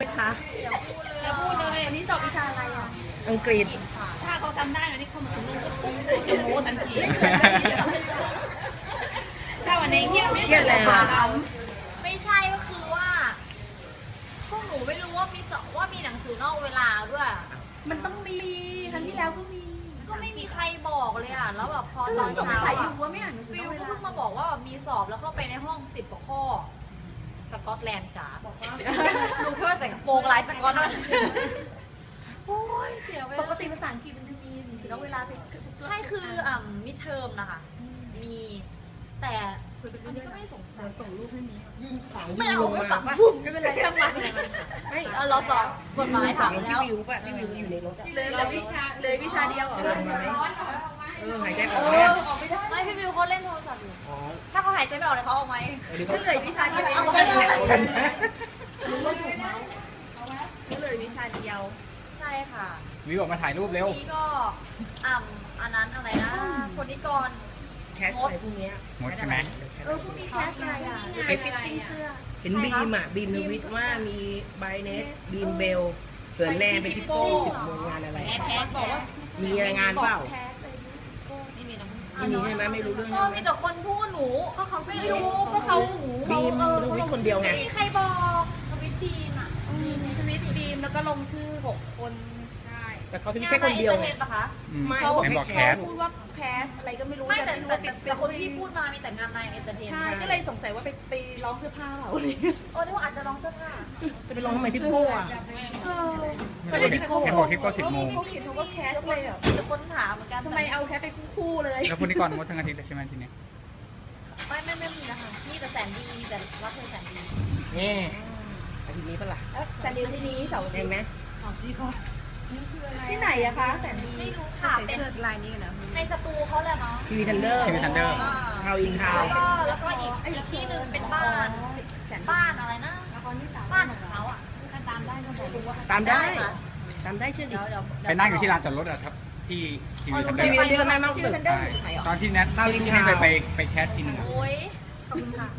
คะอย่าพูดเลยวันนี้สอบวิชาอะไรอ่ะอังกฤษถ้าเขาจำได้นะนี่เขามาถึงนู่นก็ปุ๊บจะโม้ทันทีถ้าวันนี้เงียบไม่ได้เลยไม่ใช่ก็คือว่าพวกหนูไม่รู้ว่ามีหนังสือนอกเวลาด้วยมันต้องมีครั้งที่แล้วก็มีก็ไม่มีใครบอกเลยอ่ะแล้วแบบพอตอนเช้าใส่อ่ะว่าไม่อ่านหนังสือฟิลก็เพิ่งมาบอกว่ามีสอบแล้วเข้าไปในห้อง10 กว่าข้อสกอตแลนด์จ๋าบอกว่ารู้แค่ว่าใส่กระโปรงลายสกอตนั่นโอ้ยเสียเวปลากติภาษาอังกฤษมันจะมีหนังสือนอกเวลาเป็นใช่คือมิดเทอมนะคะมีแต่อันนี้ก็ไม่สงสัยส่งรูปให้มีไม่เอาไม่ฝังป่ะไม่เป็นไรช่างมันไม่เราสอบกฎหมายถามพี่แล้ววิวป่ะพี่วิวอยู่ในรถอ่ะเลยวิชาเดียวเหรอจะลงมาไหมหายใจออกเอไหมอออกไม่ได้ไม่พี่วิวเขาเล่นโทรศัพท์อยู่อ๋อถ้าเขาหายใจไม่ออกเลยเขาเอาไหมเดี๋ยวก็เขาเลยวิชาเดียวเอาไปเลยกันนะก็เลยวิชาเดียวใช่ค่ะวิวออกมาถ่ายรูปเร็วนี่ก็อันนั้นอะไรนะคนนิกรแคสอะไรพวกเนี้ยหมดใช่ไหมพวกมีแคสอะไรอ่ะไปฟิตติ้งเสื้อเห็นบีมอ่ะบีมนวิทย์ว่ามีไบเนสบีมเบลเขินแนนเป็นทิปโก้10 โมงงานอะไรแคสบอกว่ามีรายงานเปล่าแคสเลยไม่มีน้ำไม่มีใช่ไหมไม่รู้เรื่องก็ใช่ไหมมีแต่คนพูดหนูก็เขาไม่รู้ก็เขาบีมนวิทย์คนเดียวไงไม่มีใครบอกทวิตบีมอ่ะทวิตบีมแล้วก็ลงชื่อ6 คนได้แต่เขาทวิตแค่คนเดียวงาไงนปะคะไม่เขาเขาไหนบบ ออก กแคแคสสพูดว่าแคสอะไรก็ไม่รู้ไม่แต่คนที่พูดมามีแต่งานในเอนเตอร์เทนใช่ก็เลยสงสัยว่าไปร้องเสื้อผ้าเปล่าโอ้นี่ว่าอาจจะลองเสื้อผ้าจะไปลองทำไมทิปโก้อ่ะเออไม่รู้เห็นเห็นบอกที่ก็10 โมงเขาเขียนเขาก็แคสเลยอ่ะมีแต่คนถามเหมือนกันทำไมเอาแคสไปคู่เลยแล้วคุณนิกรงดทั้งอาทิตย์เลยใช่ไหมทีนี้ไม่มีนะคะมีแต่แสนดีมีแต่รักเธอแสนดีนี่อาทิตย์นี้ปะล่ะแต่เดี๋ยวที่นี้เสาร์เห็นไหมที่ไหนอะคะแต่ดีไม่รู้ค่ะเป็นลายนี้กันนะในสตูเขาแหละเนาะทีวีทันเดอร์ทีวีทันเดอร์ทาวอินทาวแล้วก็อีกที่หนึ่งเป็นบ้านอะไรนะบ้านของเขาอ่ะตามได้ก็บอกว่าตามได้ค่ะตามได้เชื่อดิเดี๋ยวไปนั่งอยู่ที่ลานจอดรถอะครับ ที่ทีวีทันเดอทีวีร์ทันเดอร์นั่งนั่งที่ตึกทันเดอร์อยู่ไหนอ่ะตอนที่แนทที่ไปแคสทีนึงอะโอ้ยขอบคุณค่ะ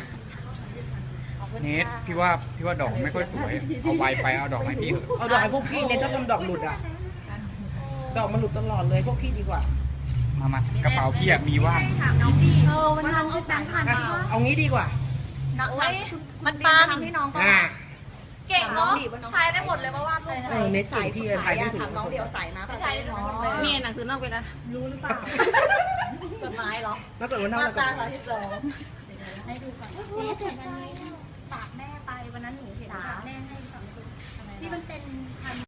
เนทพี่ว่าดอกไม่ค่อยสวย เอาไวไปเอาดอกไม้พี่เถอะเอาดอกให้พวกพี่เนี่ยชอบทำดอกหลุดอ่ะ ดอกมันหลุดตลอดเลยพวกพี่ดีกว่ามากระเป๋าพี่อะมีว่างถามน้องดีวันน้องเอาแฟนผ่านอ่ะเอางี้ดีกว่าโอ้ยมันปันทำให้น้องก็อ่าเก่งเนาะทายได้หมดเลยว่าวาดรูปอะไรเน็ตส่งที่ถ่ายไม่ถูกถามน้องเดียวใส่มาทายได้หมดเลยมีหนังสือนอกเวลารู้หรือเปล่ากฎหมายเหรอแล้วเกิดว่าน้องมาตราเรา 32 ให้ดูก่อนนี่เจ็บใจฝากแม่ไปวันนั้นหนูเห็นฝากแม่ให้2 ชุดที่มันเป็นพัน